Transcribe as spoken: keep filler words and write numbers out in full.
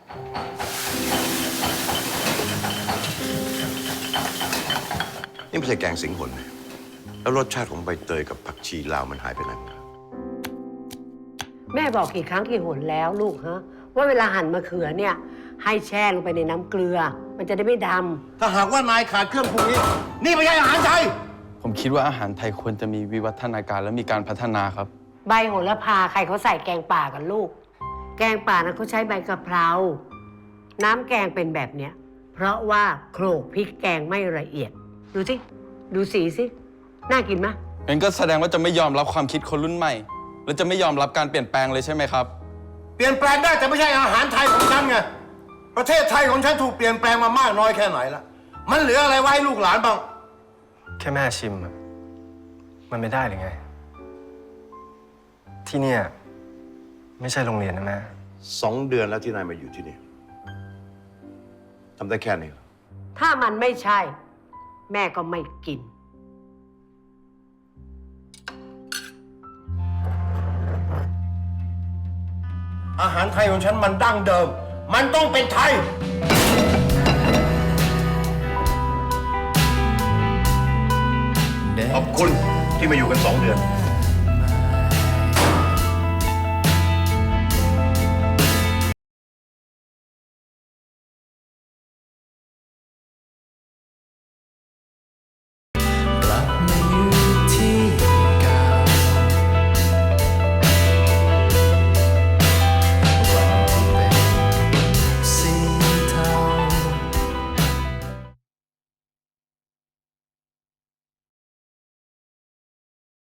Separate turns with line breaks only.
นี่ไม่ใช่แกงสิงหนนะแล้วรสชาติของใบเตยกับผักชีลาวมันหายไปไหนหมด
แม่บอกกี่ครั้งกี่หนแล้วลูกฮะว่าเวลาหั่นมะเขือเนี่ยให้แช่ลงไปในน้ำเกลือ มันจะได้ไม่ดำ
ถ้าหากว่านายขาดเครื่องปรุงนี้ นี่ไม่ใช่อาหารไทย
ผมคิดว่าอาหารไทยควรจะมีวิวัฒนาการและมีการพัฒนาครับ
ใบโหระพาใครเขาใส่แกงป่ากันลูก แกงป่านั้นเขาใช้ใบกะเพราน้ำแกงเป็นแบบเนี้ยเพราะว่าโขลกพริกแกงไม่ละเอียด ดูสิดูสีสิน่ากินไหม
งั้นก็แสดงว่าจะไม่ยอมรับความคิดคนรุ่นใหม่ และจะไม่ยอมรับการเปลี่ยนแปลงเลยใช่ไหมครับ
เปลี่ยนแปลงได้แต่ไม่ใช่อาหารไทยของฉันไง ประเทศไทยของฉันถูกเปลี่ยนแปลงมามากน้อยแค่ไหนละมันเหลืออะไรไว้ให้ลูกหลานบ้าง
แค่แม่ชิมอะมันไม่ได้หรือไง ที่เนี่ยไม่ใช่โรงเรียนนะแม่
สองเดือนแล้วที่นายมาอยู่ที่นี่ทำได้แค่นี้เหรอ
ถ้ามันไม่ใช่ แม่ก็ไม่กิน
อาหารไทยของฉันมันดั้งเดิม มันต้องเป็นไทย
ขอบคุณที่มาอยู่กันสองเดือน